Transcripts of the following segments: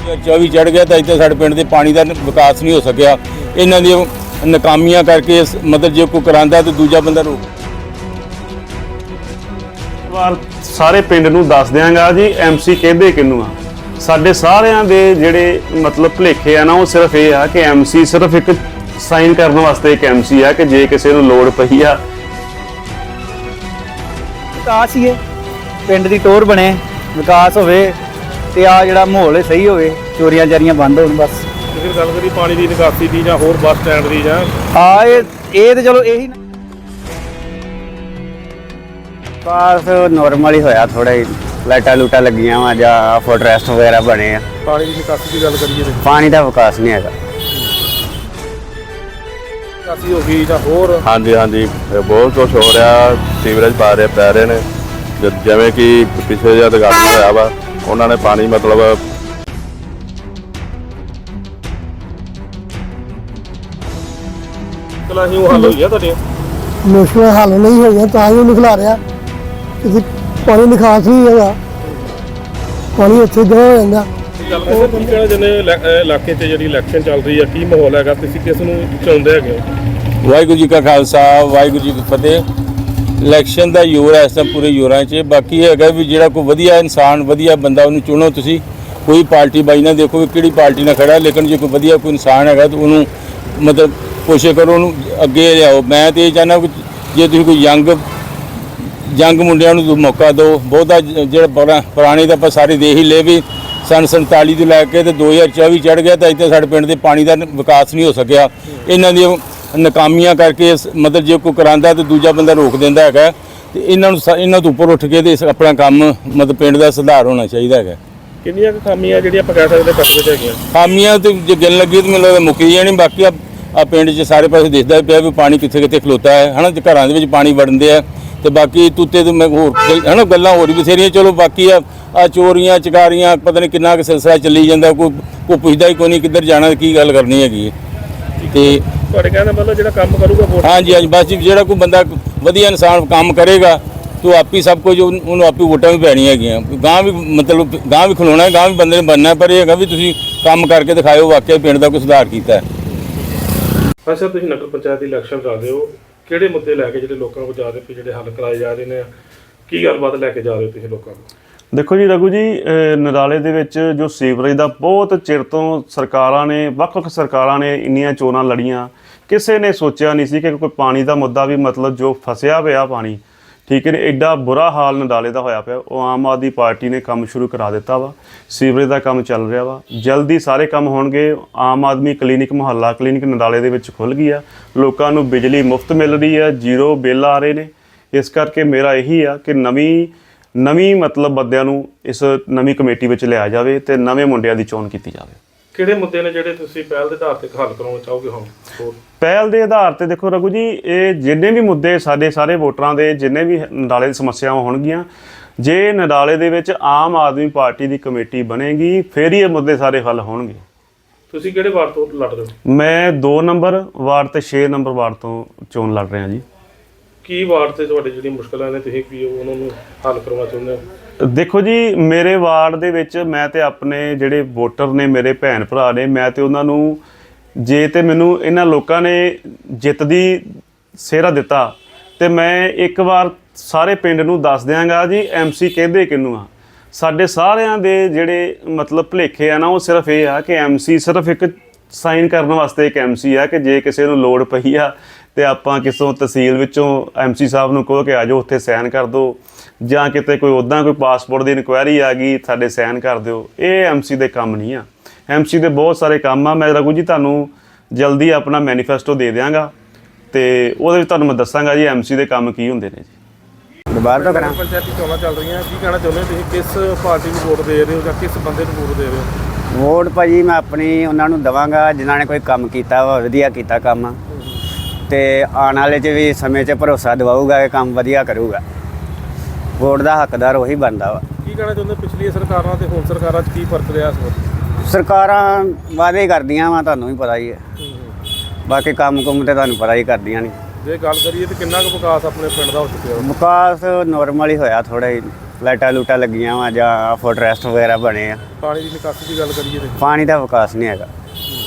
24 ਚੜ ਗਿਆ ਤਾਂ ਇੱਥੇ ਸਾਡੇ ਪਿੰਡ ਦੇ ਪਾਣੀ ਦਾ ਵਿਕਾਸ ਨਹੀਂ ਹੋ ਸਕਿਆ। ਇਹਨਾਂ ਦੀਆਂ ਨਾਕਾਮੀਆਂ ਕਰਕੇ ਮਤਲਬ ਜੇ ਕੋਈ ਕਰਾਂਦਾ ਤਾਂ ਦੂਜਾ ਬੰਦਾ ਰੋਕ। ਵਾਰ ਸਾਰੇ ਪਿੰਡ ਨੂੰ ਦੱਸ ਦਿਆਂਗਾ ਜੀ ਐਮਸੀ ਕਹਿੰਦੇ ਕਿਹਨੂੰ ਆ। ਸਾਡੇ ਸਾਰਿਆਂ ਦੇ ਜਿਹੜੇ ਮਤਲਬ ਭੁਲੇਖੇ ਆ ਨਾ, ਉਹ ਸਿਰਫ ਇਹ ਆ ਕਿ ਐਮਸੀ ਸਿਰਫ ਇੱਕ ਸਾਈਨ ਕਰਨ ਵਾਸਤੇ ਇੱਕ ਐਮਸੀ ਆ ਕਿ ਜੇ ਕਿਸੇ ਨੂੰ ਲੋੜ ਪਈ ਆ। ਵਿਕਾਸ ਹੀ ਹੈ, ਪਿੰਡ ਦੀ ਟੋਰ ਬਣੇ, ਵਿਕਾਸ ਹੋਵੇ ਤੇ ਆ ਜਿਹੜਾ ਮਾਹੌਲ ਸਹੀ ਹੋਵੇ, ਚੋਰੀਆਂ ਚਾਰੀਆਂ ਬੰਦ ਹੋਣ ਬਸ। ਫਿਰ ਗੱਲ ਕਰੀ ਪਾਣੀ ਦੀ ਨਿਕਾਸੀ ਦੀ ਜਾਂ ਹੋਰ ਬੱਸ ਸਟੈਂਡ ਦੀ ਜਾਂ ਇਹ ਤੇ ਚਲੋ ਇਹੀ ਵਿਕਾਸ ਨੋਰਮਲ ਹੀ ਹੋਇਆ, ਥੋੜਾ ਹੀ ਲਾਈਟਾਂ ਲੂਟਾਂ ਲੱਗੀਆਂ ਵਾ ਜਾਂ ਫੁੱਟ ਰੈਸਟ ਵਗੈਰਾ ਬਣੇ ਆ। ਪਾਣੀ ਦੀ ਨਿਕਾਸੀ ਦੀ ਗੱਲ ਕਰੀਏ ਤੇ ਪਾਣੀ ਦਾ ਵਿਕਾਸ ਨਹੀਂ ਹੈਗਾ। ਨਿਕਾਸੀ ਹੋ ਗਈ ਜਾਂ ਹੋਰ ਹਾਂਜੀ ਬਹੁਤ ਕੁਝ ਹੋ ਰਿਹਾ। ਸੀਵਰੇਜ ਪੈ ਰਹੇ ਨੇ, ਜਿਵੇਂ ਕਿ ਪਿਛਲੇ ਜਦ ਗਾੜੀ ਹੋਇਆ ਵਾ ਉਹਨਾਂ ਨੇ ਪਾਣੀ ਮਤਲਬ ਕਲਾ ਹੀ ਉਹ ਹੱਲ ਹੋਈ ਆ ਤੁਹਾਡੇ ਮੁਸ਼ਕਿਲ ਹੱਲ ਨਹੀਂ ਹੋਈਆਂ ਤਾਂ ਹੀ ਉਹਨੂੰ ਖਿਲਾ ਰਿਹਾ ਕਿ ਪਾਣੀ ਨਿਕਾਸ ਨਹੀਂ ਹੈਗਾ, ਪਾਣੀ ਇੱਥੇ ਜਮ੍ਹਾਂ ਹੋ ਜਾਂਦਾ। ਗੱਲ ਕਰਦੇ ਤੁਸੀਂ ਕਿਹੜਾ ਜਿਹਨੇ ਇਲਾਕੇ 'ਚ ਜਿਹੜੀ ਇਲੈਕਸ਼ਨ ਚੱਲ ਰਹੀ ਆ, ਕੀ ਮਾਹੌਲ ਹੈਗਾ, ਤੁਸੀਂ ਕਿਸ ਨੂੰ ਚਾਹੁੰਦੇ ਹੈਗੇ ਹੋ? ਵਾਹਿਗੁਰੂ ਜੀ ਕਾ ਖਾਲਸਾ, ਵਾਹਿਗੁਰੂ ਜੀ ਕੀ ਫਤਿਹ। ਇਲੈਕਸ਼ਨ ਦਾ ਜ਼ੋਰ ਹੈ ਇਸ ਟਾਈਮ ਪੂਰੇ ਜ਼ੋਰਾਂ 'ਚ। ਬਾਕੀ ਇਹ ਹੈਗਾ ਵੀ ਜਿਹੜਾ ਕੋਈ ਵਧੀਆ ਇਨਸਾਨ, ਵਧੀਆ ਬੰਦਾ ਉਹਨੂੰ ਚੁਣੋ ਤੁਸੀਂ। ਕੋਈ ਪਾਰਟੀ ਬਾਈ ਨਾ ਦੇਖੋ ਵੀ ਕਿਹੜੀ ਪਾਰਟੀ ਨਾਲ ਖੜਾ, ਲੇਕਿਨ ਜੇ ਕੋਈ ਵਧੀਆ ਕੋਈ ਇਨਸਾਨ ਹੈਗਾ ਤਾਂ ਉਹਨੂੰ ਮਤਲਬ ਕੋਸ਼ਿਸ਼ ਕਰੋ ਉਹਨੂੰ ਅੱਗੇ ਲਿਆਓ। ਮੈਂ ਤਾਂ ਇਹ ਚਾਹੁੰਦਾ ਕਿ ਜੇ ਤੁਸੀਂ ਕੋਈ ਯੰਗ ਮੁੰਡਿਆਂ ਨੂੰ ਮੌਕਾ ਦਿਓ। ਬਹੁਤਾ ਜਿਹੜਾ ਪੁਰਾਣੇ ਤਾਂ ਆਪਾਂ ਸਾਰੇ ਦੇਖ ਹੀ ਲਏ ਵੀ ਸੰਨ 47 ਤੋਂ ਲੈ ਕੇ ਤੇ 2024 ਚੜ ਗਿਆ ਤਾਂ ਇੱਥੇ ਸਾਡੇ ਪਿੰਡ ਦੇ ਪਾਣੀ ਦਾ ਵਿਕਾਸ ਨਹੀਂ ਹੋ ਸਕਿਆ। ਇਹਨਾਂ ਦੀਆਂ ਨਾਕਾਮੀਆਂ ਕਰਕੇ ਮਤਲਬ ਜੇ ਕੋਈ ਕਰਾਂਦਾ ਤਾਂ ਦੂਜਾ ਬੰਦਾ ਰੋਕ ਦਿੰਦਾ ਹੈਗਾ। ਤੇ ਇਹਨਾਂ ਤੋਂ ਉੱਪਰ ਉੱਠ ਕੇ ਤੇ ਆਪਣਾ ਕੰਮ ਮਤਲਬ ਪਿੰਡ ਦਾ ਸੁਧਾਰ ਹੋਣਾ ਚਾਹੀਦਾ ਹੈਗਾ। ਕਿੰਨੀਆਂ ਕੁ ਖਾਮੀਆਂ ਜਿਹੜੀਆਂ ਆਪਾਂ ਕਹਿ ਸਕਦੇ ਪਿੰਡ ਵਿੱਚ ਹੈਗੀਆਂ? ਖਾਮੀਆਂ ਤੇ ਜੇ ਗਿਣ ਲੱਗੀ ਤਾਂ ਮੈਨੂੰ ਲੱਗਦਾ ਮੁੱਕੀ ਜਾਣੀ। ਬਾਕੀ ਆ ਪਿੰਡ 'ਚ ਸਾਰੇ ਪਾਸੇ ਦਿਖਦਾ ਪਿਆ ਵੀ ਪਾਣੀ ਕਿੱਥੇ ਕਿੱਥੇ ਖਲੋਤਾ ਹੈ, ਹੈ ਨਾ। ਤੇ ਘਰਾਂ ਦੇ ਵਿੱਚ ਪਾਣੀ ਵੜਦੇ ਆ ਤੇ ਬਾਕੀ ਤੂਤੇ ਤੋਂ ਮੈਂ ਹੋਰ ਹੈ ਨਾ ਗੱਲਾਂ ਹੋਰ ਵੀ ਬਥੇਰੀਆਂ। ਚਲੋ ਬਾਕੀ ਆ ਚੋਰੀਆਂ ਚਕਾਰੀਆਂ ਪਤਾ ਨਹੀਂ ਕਿੰਨਾ ਕੁ ਸਿਲਸਿਲਾ ਚੱਲੀ ਜਾਂਦਾ। ਕੋਈ ਪੁੱਛਦਾ ਹੀ ਕੋਈ ਨਹੀਂ ਕਿੱਧਰ ਜਾਣਾ, ਕੀ ਗੱਲ ਕਰਨੀ ਹੈਗੀ। ਤੇ ਤੁਹਾਡੇ ਕਹਿਣ ਦਾ ਮਤਲਬ ਜਿਹੜਾ ਕੰਮ ਕਰੂਗਾ ਵੋਟ? ਹਾਂਜੀ ਬਸ ਜਿਹੜਾ ਕੋਈ ਬੰਦਾ ਵਧੀਆ ਇਨਸਾਨ ਕੰਮ ਕਰੇਗਾ ਤੋ ਆਪੀ ਸਭ ਕੁਝ ਉਹਨੂੰ ਆਪੀ ਵੋਟਾਂ ਵੀ ਪੈਣੀਆਂ ਹੈਗੀਆਂ। ਗਾਂ ਵੀ ਮਤਲਬ ਗਾਂ ਵੀ ਖਲੋਣਾ, ਗਾਂ ਵੀ ਬੰਦੇ ਨੇ ਬਣਨਾ। ਪਰ ਇਹ ਹੈਗਾ ਵੀ ਤੁਸੀਂ ਕੰਮ ਕਰਕੇ ਦਿਖਾਇਓ ਵਾਕਿਆ ਪਿੰਡ ਦਾ ਕੋਈ ਸੁਧਾਰ ਕੀਤਾ ਹੈ। ਹਾਂ ਸਰ, ਤੁਸੀਂ ਨਗਰ ਪੰਚਾਇਤ ਦੀ ਇਲੈਕਸ਼ਨ ਕਰ ਰਹੇ ਹੋ, ਕਿਹੜੇ ਮੁੱਦੇ ਲੈ ਕੇ ਜਿਹੜੇ ਲੋਕਾਂ ਕੋਲ ਜਾ ਰਹੇ ਹੋ, ਜਿਹੜੇ ਹੱਲ ਕਰਾਏ ਜਾ ਰਹੇ ਨੇ, ਕੀ ਗੱਲਬਾਤ ਲੈ ਕੇ ਜਾ ਰਹੇ ਹੋ ਤੁਸੀਂ ਲੋਕਾਂ ਨੂੰ? ਦੇਖੋ ਜੀ ਰਘੂ ਜੀ, ਨਰਾਲੇ ਦੇ ਵਿੱਚ ਜੋ ਸੀਵਰੇਜ ਦਾ ਬਹੁਤ ਚਿਰ ਤੋਂ ਸਰਕਾਰਾਂ ਨੇ, ਵੱਖ-ਵੱਖ ਸਰਕਾਰਾਂ ਨੇ ਇੰਨੀਆਂ ਚੋਣਾਂ ਲੜੀਆਂ, ਕਿਸੇ ਨੇ ਸੋਚਿਆ ਨਹੀਂ ਸੀ ਕਿ ਕੋਈ ਪਾਣੀ ਦਾ ਮੁੱਦਾ ਵੀ ਮਤਲਬ ਜੋ ਫਸਿਆ ਪਿਆ ਪਾਣੀ, ਠੀਕ ਹੈ ਨੇ, ਐਡਾ ਬੁਰਾ ਹਾਲ ਨਰਾਲੇ ਦਾ ਹੋਇਆ ਪਿਆ। ਉਹ ਆਮ ਆਦਮੀ ਪਾਰਟੀ ਨੇ ਕੰਮ ਸ਼ੁਰੂ ਕਰਾ ਦਿੱਤਾ ਵਾ, ਸੀਵਰੇਜ ਦਾ ਕੰਮ ਚੱਲ ਰਿਹਾ ਵਾ, ਜਲਦੀ ਸਾਰੇ ਕੰਮ ਹੋਣਗੇ। ਆਮ ਆਦਮੀ ਕਲੀਨਿਕ, ਮੁਹੱਲਾ ਕਲੀਨਿਕ ਨਰਾਲੇ ਦੇ ਵਿੱਚ ਖੁੱਲ੍ਹ ਗਈ ਆ, ਲੋਕਾਂ ਨੂੰ ਬਿਜਲੀ ਮੁਫਤ ਮਿਲ ਰਹੀ ਆ, ਜ਼ੀਰੋ ਬਿੱਲ ਆ ਰਹੇ ਨੇ। ਇਸ ਕਰਕੇ ਮੇਰਾ ਇਹੀ ਆ ਕਿ ਨਵੀਂ ਮਤਲਬ ਬੰਦਿਆਂ ਨੂੰ ਇਸ ਨਵੀਂ ਕਮੇਟੀ ਵਿੱਚ ਲਿਆ ਜਾਵੇ ਤੇ ਨਵੇਂ ਮੁੰਡਿਆਂ ਦੀ ਚੋਣ ਕੀਤੀ ਜਾਵੇ। ਕਿਹੜੇ ਮੁੱਦੇ ਨੇ ਜਿਹੜੇ ਤੁਸੀਂ ਪਹਿਲ ਦੇ ਆਧਾਰ ਤੇ ਹੱਲ ਕਰਾਉਣਾ ਚਾਹੋਗੇ ਹੁਣ? ਪਹਿਲ ਦੇ ਆਧਾਰ ਤੇ ਦੇਖੋ ਰਘੂ ਜੀ, ਇਹ ਜਿੰਨੇ ਵੀ ਮੁੱਦੇ ਸਾਡੇ ਸਾਰੇ ਵੋਟਰਾਂ ਦੇ, ਜਿੰਨੇ ਵੀ ਨਰਾਲੇ ਦੀ ਸਮੱਸਿਆਵਾਂ ਹੋਣਗੀਆਂ, ਜੇ ਨਰਾਲੇ ਦੇ ਵਿੱਚ ਆਮ ਆਦਮੀ ਪਾਰਟੀ ਦੀ ਕਮੇਟੀ ਬਣੇਗੀ ਫਿਰ ਹੀ ਇਹ ਮੁੱਦੇ ਸਾਰੇ ਹੱਲ ਹੋਣਗੇ। ਤੁਸੀਂ ਕਿਹੜੇ ਵਾਰਡ ਤੋਂ ਲੜ ਰਹੇ ਹੋ? ਮੈਂ 2 ਨੰਬਰ ਵਾਰਡ ਤੇ 6 ਨੰਬਰ ਵਾਰਡ ਤੋਂ ਚੋਣ ਲੜ ਰਿਹਾ ਜੀ। ਕੀ ਵਾਰਡ ਤੇ ਤੁਹਾਡੀ ਜਿਹੜੀ ਮੁਸ਼ਕਲਾਂ ਨੇ ਤੁਸੀਂ ਕੀ ਉਹਨਾਂ ਨੂੰ ਹੱਲ ਕਰਵਾਉਣਾ ਚਾਹੁੰਦੇ ਹੋ? ਦੇਖੋ ਜੀ, ਮੇਰੇ ਵਾਰਡ ਦੇ ਵਿੱਚ ਮੈਂ ਤੇ ਆਪਣੇ ਜਿਹੜੇ ਵੋਟਰ ਨੇ, ਮੇਰੇ ਭੈਣ ਭਰਾ ਨੇ, ਮੈਂ ਤੇ ਉਹਨਾਂ ਨੂੰ, ਜੇ ਤੇ ਮੈਨੂੰ ਇਹਨਾਂ ਲੋਕਾਂ ਨੇ ਜਿੱਤ ਦੀ ਸਿਹਰਾ ਦਿੱਤਾ ਤੇ ਮੈਂ ਇੱਕ ਵਾਰ ਸਾਰੇ ਪਿੰਡ ਨੂੰ ਦੱਸ ਦਿਆਂਗਾ ਜੀ ਐਮਸੀ ਕਹਿੰਦੇ ਕਿਹਨੂੰ ਆ। ਸਾਡੇ ਸਾਰਿਆਂ ਦੇ ਜਿਹੜੇ ਮਤਲਬ ਭੁਲੇਖੇ ਆ ਨਾ, ਉਹ ਸਿਰਫ ਇਹ ਆ ਕਿ ਐਮਸੀ ਸਿਰਫ ਇੱਕ ਸਾਈਨ ਕਰਨ ਵਾਸਤੇ ਇੱਕ ਐਮਸੀ ਆ ਕਿ ਜੇ ਕਿਸੇ ਨੂੰ ਲੋੜ ਪਈ ਆ ਤੇ ਆਪਾਂ ਕਿਸੇ ਤਹਿਸੀਲ ਵਿੱਚੋਂ ਐਮਸੀ ਸਾਹਿਬ ਨੂੰ ਕਹੋ ਕਿ ਆ ਜਾਓ ਉੱਥੇ ਸਾਈਨ ਕਰ ਦਿਓ, ਜਾਂ ਕਿਤੇ ਕੋਈ ਉੱਦਾਂ ਕੋਈ ਪਾਸਪੋਰਟ ਦੀ ਇਨਕੁਆਇਰੀ ਆ ਗਈ ਸਾਡੇ ਸਾਈਨ ਕਰ ਦਿਓ। ਇਹ ਐਮਸੀ ਦੇ ਕੰਮ ਨਹੀਂ ਆ। ਐਮਸੀ ਦੇ ਬਹੁਤ ਸਾਰੇ ਕੰਮ ਆ। ਮੈਂ ਰਘੂ ਜੀ ਤੁਹਾਨੂੰ ਜਲਦੀ ਆਪਣਾ ਮੈਨੀਫੈਸਟੋ ਦੇ ਦਿਆਂਗਾ ਤੇ ਉਹਦੇ ਵਿੱਚ ਤੁਹਾਨੂੰ ਮੈਂ ਦੱਸਾਂਗਾ ਜੀ ਐਮਸੀ ਦੇ ਕੰਮ ਕੀ ਹੁੰਦੇ ਨੇ ਜੀ। ਦੁਬਾਰਾ ਤੋਂ ਕਰਾਂ। ਪੰਚਾਇਤੀ ਚੋਣਾਂ ਚੱਲ ਰਹੀਆਂ, ਕੀ ਕਹਿਣਾ ਚਾਹੁੰਦੇ ਹੋ ਤੁਸੀਂ? ਕਿਸ ਪਾਰਟੀ ਨੂੰ ਵੋਟ ਦੇ ਰਹੇ ਹੋ ਜਾਂ ਕਿਸ ਬੰਦੇ ਨੂੰ ਵੋਟ ਦੇ ਰਹੇ ਹੋ? ਵੋਟ ਭਾਜੀ ਮੈਂ ਆਪਣੀ ਉਹਨਾਂ ਨੂੰ ਦੇਵਾਂਗਾ ਜਿਨ੍ਹਾਂ ਨੇ ਕੋਈ ਕੰਮ ਕੀਤਾ ਵਾ, ਵਧੀਆ ਕੀਤਾ ਕੰਮ, ਤੇ ਆਉਣ ਵਾਲੇ 'ਚ ਵੀ ਸਮੇਂ 'ਚ ਭਰੋਸਾ ਦਿਵਾਊਗਾ ਕਿ ਕੰਮ ਵਧੀਆ ਕਰੂਗਾ। ਵੋਟ ਦਾ ਹੱਕਦਾਰ ਉਹੀ ਬਣਦਾ ਵਾ। ਕੀ ਕਹਿਣਾ ਚਾਹੁੰਦੇ ਪਿਛਲੀਆਂ ਸਰਕਾਰਾਂ ਤੇ ਹੁਣ ਸਰਕਾਰਾਂ 'ਚ ਕੀ ਫਰਕ ਰਿਹਾ ਇਸ ਵਾਰ? ਸਰਕਾਰਾਂ ਵਾਅਦੇ ਕਰਦੀਆਂ ਵਾ, ਤੁਹਾਨੂੰ ਵੀ ਪਤਾ ਹੀ ਹੈ। ਬਾਕੀ ਕੰਮ ਕੁੰਮ ਤੇ ਤੁਹਾਨੂੰ ਪਤਾ ਹੀ ਕਰਦੀਆਂ ਨਹੀਂ। ਜੇ ਗੱਲ ਕਰੀਏ ਤਾਂ ਕਿੰਨਾ ਕੁ ਵਿਕਾਸ ਆਪਣੇ ਪਿੰਡ ਦਾ ਹੋ ਚੁੱਕਿਆ? ਵਿਕਾਸ ਨੋਰਮਲ ਹੀ ਹੋਇਆ, ਥੋੜਾ ਹੀ ਲਾਈਟਾਂ ਲੂਟਾਂ ਲੱਗੀਆਂ ਵਾ ਜਾਂ ਫੁੱਟ ਰੈਸਟ ਵਗੈਰਾ ਬਣੇ ਆ। ਪਾਣੀ ਦੀ ਨਿਕਾਸੀ ਦੀ ਗੱਲ ਕਰੀਏ ਤੇ ਪਾਣੀ ਦਾ ਵਿਕਾਸ ਨਹੀਂ ਹੈਗਾ।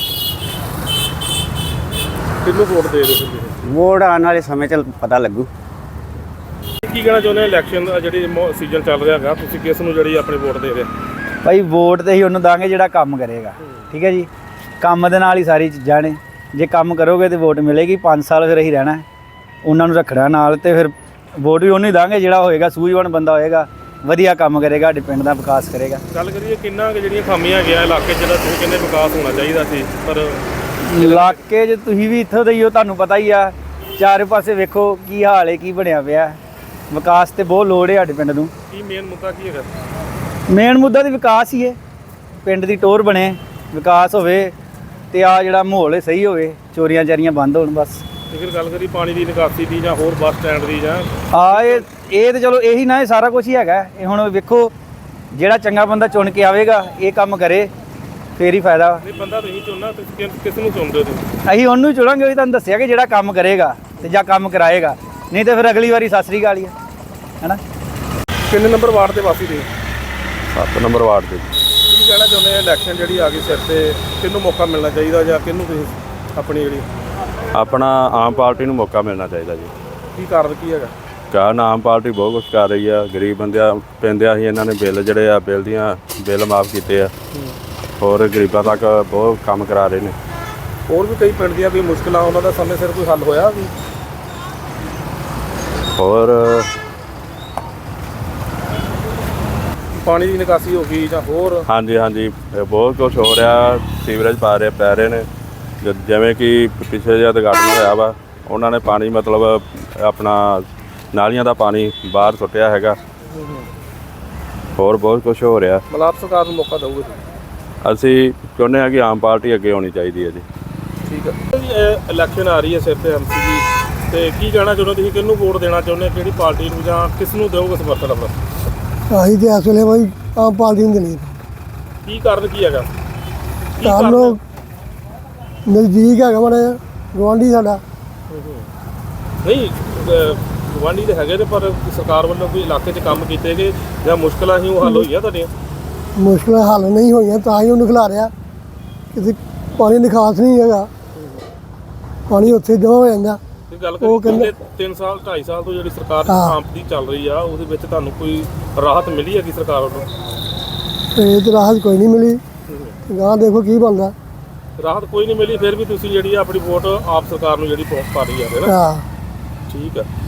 ਕਿਹਨੂੰ ਵੋਟ ਦੇ ਰਹੇ ਹੋ ਵੋਟ ਆਉਣ ਵਾਲੇ ਸਮੇਂ 'ਚ ਪਤਾ ਲੱਗੂ। ਕੀ ਕਹਿਣਾ ਚਾਹੁੰਦੇ ਹੋ ਇਲੈਕਸ਼ਨ ਦਾ ਜਿਹੜੀ ਸੀਜ਼ਨ ਚੱਲ ਰਿਹਾ ਹੈਗਾ, ਤੁਸੀਂ ਕਿਸ ਨੂੰ ਜਿਹੜੀ ਆਪਣੀ ਵੋਟ ਦੇ ਰਹੇ ਹੋ? ਭਾਈ ਵੋਟ ਤੇ ਹੀ ਉਹਨੂੰ ਦਾਂਗੇ ਜਿਹੜਾ ਕੰਮ ਕਰੇਗਾ, ਠੀਕ ਹੈ ਜੀ। ਕੰਮ ਦੇ ਨਾਲ ਹੀ ਸਾਰੀ ਚੀਜ਼ਾਂ ਨੇ। ਜੇ ਕੰਮ ਕਰੋਗੇ ਤੇ ਵੋਟ ਮਿਲੇਗੀ। 5 ਸਾਲ ਫਿਰ ਅਸੀਂ ਰਹਿਣਾ, ਉਹਨਾਂ ਨੂੰ ਰੱਖਣਾ ਨਾਲ, ਤੇ ਫਿਰ ਵੋਟ ਵੀ ਉਹਨੂੰ ਹੀ ਦਾਂਗੇ ਜਿਹੜਾ ਹੋਏਗਾ ਸੂਝਵਾਨ ਬੰਦਾ ਹੋਏਗਾ, ਵਧੀਆ ਕੰਮ ਕਰੇਗਾ, ਸਾਡੇ ਪਿੰਡ ਦਾ ਵਿਕਾਸ ਕਰੇਗਾ। ਗੱਲ ਕਰੀਏ ਕਿੰਨਾ ਕੁ ਜਿਹੜੀਆਂ ਖਾਮੀਆਂ ਹੈਗੀਆਂ ਇਲਾਕੇ 'ਚ, ਜਿਹੜਾ ਤੁਸੀਂ ਕਹਿੰਦੇ ਵਿਕਾਸ ਹੋਣਾ ਚਾਹੀਦਾ ਸੀ, ਪਰ ਇਲਾਕੇ 'ਚ ਤੁਸੀਂ ਵੀ ਇੱਥੋਂ ਦੇ ਹੀ ਹੋ, ਤੁਹਾਨੂੰ ਪਤਾ ਹੀ ਆ। ਚਾਰੇ ਪਾਸੇ ਵੇਖੋ ਕੀ ਹਾਲ ਹੈ, ਕੀ ਬਣਿਆ ਪਿਆ। ਵਿਕਾਸ ਤੇ ਬਹੁਤ ਲੋੜ ਹੈ ਸਾਡੇ ਪਿੰਡ ਨੂੰ। ਕੀ ਮੇਨ ਮੁੱਦਾ ਕੀ ਹੈਗਾ? ਮੇਨ ਮੁੱਦਾ ਤੇ ਵਿਕਾਸ ਹੀ ਹੈ। ਪਿੰਡ ਦੀ ਟੋਰ ਬਣੇ, ਵਿਕਾਸ ਹੋਵੇ, ਤੇ ਆ ਜਿਹੜਾ ਮਾਹੌਲ ਹੈ ਸਹੀ ਹੋਵੇ, ਚੋਰੀਆਂ ਚਾਰੀਆਂ ਬੰਦ ਹੋਣ ਬਸ। ਤੇ ਫਿਰ ਗੱਲ ਕਰੀ ਪਾਣੀ ਦੀ ਨਿਕਾਸੀ ਦੀ ਜਾਂ ਹੋਰ ਬੱਸ ਸਟੈਂਡ ਦੀ ਜਾਂ ਇਹ ਤੇ ਚਲੋ ਇਹੀ ਨਾ, ਇਹ ਸਾਰਾ ਕੁਝ ਹੀ ਹੈਗਾ। ਇਹ ਹੁਣ ਵੇਖੋ ਜਿਹੜਾ ਚੰਗਾ ਬੰਦਾ ਚੁਣ ਕੇ ਆਵੇਗਾ, ਇਹ ਕੰਮ ਕਰੇ, ਫੇਰ ਹੀ ਫਾਇਦਾ। ਨਹੀਂ ਬੰਦਾ ਤੁਸੀਂ ਚੁਣਨਾ, ਤੁਸੀਂ ਕਿਸ ਨੂੰ ਚੁਣਦੇ ਹੋ ਤੁਸੀਂ? ਅਸੀਂ ਉਹਨੂੰ ਹੀ ਚੁਣਾਂਗੇ, ਉਹ ਤੁਹਾਨੂੰ ਦੱਸਿਆ ਕਿ ਜਿਹੜਾ ਕੰਮ ਕਰੇਗਾ ਤੇ ਜਾਂ ਕੰਮ ਕਰਾਏਗਾ, ਨਹੀਂ ਤੇ ਫਿਰ ਅਗਲੀ ਵਾਰੀ ਸਤਿ ਸ੍ਰੀ ਅਕਾਲ ਹੀ ਹੈ, ਹੈਨਾ। ਕਿੰਨੇ ਨੰਬਰ ਵਾਰਡ ਦੇ ਵਾਸੀ ਦੇ? 7 ਨੰਬਰ ਵਾਰਡ ਦੇ। ਕੀ ਕਹਿਣਾ ਚਾਹੁੰਦੇ ਆ ਇਲੈਕਸ਼ਨ ਜਿਹੜੀ ਆ ਗਈ ਸਿਰ ਤੇ, ਕਿਹਨੂੰ ਮੌਕਾ ਮਿਲਣਾ ਚਾਹੀਦਾ ਜਾਂ ਕਿਹਨੂੰ ਤੁਸੀਂ ਆਪਣੀ ਜਿਹੜੀ ਆਪਣਾ ਆਮ ਪਾਰਟੀ ਨੂੰ ਮੌਕਾ ਮਿਲਣਾ ਚਾਹੀਦਾ ਜੀ। ਕੀ ਕਾਰਨ ਕੀ ਹੈਗਾ? ਕਾਰਨ ਆਮ ਪਾਰਟੀ ਬਹੁਤ ਕੁਛ ਕਰ ਰਹੀ ਆ। ਗਰੀਬ ਬੰਦਿਆਂ ਪੈਂਦਿਆਂ ਹੀ ਇਹਨਾਂ ਨੇ ਬਿੱਲ ਜਿਹੜੇ ਆ ਬਿੱਲ ਮਾਫ ਕੀਤੇ ਆ। ਹੋਰ ਗਰੀਬਾਂ ਤੱਕ ਬਹੁਤ ਕੰਮ ਕਰਾ ਰਹੇ ਨੇ। ਹੋਰ ਵੀ ਕਈ ਪਿੰਡ ਦੀਆਂ ਵੀ ਮੁਸ਼ਕਲਾਂ, ਉਹਨਾਂ ਦਾ ਸਮੇਂ ਸਿਰ ਕੋਈ ਹੱਲ ਹੋਇਆ ਵੀ? ਹੋਰ ਪਾਣੀ ਦੀ ਨਿਕਾਸੀ ਹੋ ਗਈ ਜਾਂ ਹੋਰ? ਹਾਂਜੀ ਇਹ ਬਹੁਤ ਕੁਝ ਹੋ ਰਿਹਾ। ਸੀਵਰੇਜ ਪੈ ਰਹੇ ਨੇ। ਜਿਵੇਂ ਕਿ ਪਿਛਲੇ ਜਿਹਾ ਉਦਘਾਟਨ ਹੋਇਆ ਵਾ, ਉਹਨਾਂ ਨੇ ਪਾਣੀ ਮਤਲਬ ਆਪਣਾ ਨਾਲੀਆਂ ਦਾ ਪਾਣੀ ਬਾਹਰ ਸੁੱਟਿਆ ਹੈਗਾ। ਹੋਰ ਬਹੁਤ ਕੁਝ ਹੋ ਰਿਹਾ। ਮਤਲਬ ਸਰਕਾਰ ਨੂੰ ਮੌਕਾ ਦਊਗੇ? ਅਸੀਂ ਚਾਹੁੰਦੇ ਹਾਂ ਕਿ ਆਮ ਪਾਰਟੀ ਅੱਗੇ ਹੋਣੀ ਚਾਹੀਦੀ ਹੈ ਜੀ। ਠੀਕ ਹੈ। ਇਲੈਕਸ਼ਨ ਆ ਰਹੀ ਹੈ ਸਿਰ ਤੇ ਐਮਸੀ ਦੀ, ਤੇ ਕੀ ਕਹਿਣਾ ਚਾਹੁੰਦੇ ਤੁਸੀਂ, ਕਿਹਨੂੰ ਵੋਟ ਦੇਣਾ ਚਾਹੁੰਦੇ, ਕਿਹੜੀ ਪਾਰਟੀ ਨੂੰ, ਜਾਂ ਕਿਸ ਨੂੰ ਦਿਓਗੇ ਸਮਰਥਨ ਆਪਣਾ? ਅਸੀਂ ਤੇ ਇਸ ਵੇਲੇ ਬਾਈ ਆਮ ਪਾਰਟੀ ਨੂੰ ਦੇਣੀ। ਕੀ ਕਾਰਨ ਕੀ ਹੈਗਾ? ਕਾਰਨ ਨਜ਼ਦੀਕ ਹੈਗਾ ਮਾੜਾ ਜਿਹਾ, ਗੁਆਂਢੀ ਸਾਡਾ। ਨਹੀਂ ਗਵਾਂਢੀ ਦੇ ਹੈਗੇ ਨੇ, ਪਰ ਸਰਕਾਰ ਵੱਲੋਂ ਕੋਈ ਇਲਾਕੇ 'ਚ ਕੰਮ ਕੀਤੇ ਗਏ ਜਾਂ ਮੁਸ਼ਕਲਾਂ ਸੀ ਉਹ ਹੱਲ ਹੋਈਆਂ ਤੁਹਾਡੀਆਂ? ਮੁਸ਼ਕਲਾਂ ਹੱਲ ਨਹੀਂ ਹੋਈਆਂ, ਤਾਂ ਹੀ ਉਹਨੂੰ ਖਿਲਾ ਰਿਹਾ। ਕਿਤੇ ਪਾਣੀ ਨਿਕਾਸ ਨਹੀਂ ਹੈਗਾ, ਪਾਣੀ ਉੱਥੇ ਜਮ੍ਹਾਂ ਹੋ ਜਾਂਦਾ। ਇਹ ਗੱਲ ਉਹ ਕਰੀਏ ਕਹਿੰਦੇ 3 ਸਾਲ 2.5 ਸਾਲ ਤੋਂ ਜਿਹੜੀ ਸਰਕਾਰ ਹਾਂ। ਆਮ ਦੀ ਚੱਲ ਰਹੀ ਆ, ਉਹਦੇ ਵਿੱਚ ਤੁਹਾਨੂੰ ਕੋਈ ਰਾਹਤ ਮਿਲੀ ਹੈਗੀ ਸਰਕਾਰ ਵੱਲੋਂ? ਤੇ ਤੇ ਰਾਹਤ ਕੋਈ ਨਹੀਂ ਮਿਲੀ। ਗਾਂ ਦੇਖੋ ਕੀ ਬਣਦਾ। ਰਾਹਤ ਕੋਈ ਨਹੀਂ ਮਿਲੀ, ਫਿਰ ਵੀ ਤੁਸੀਂ ਜਿਹੜੀ ਆ ਆਪਣੀ ਵੋਟ ਆਪ ਸਰਕਾਰ ਨੂੰ ਜਿਹੜੀ ਪਾ ਰਹੀ ਆ, ਹੈ ਨਾ? ਹਾਂ। ਠੀਕ ਹੈ।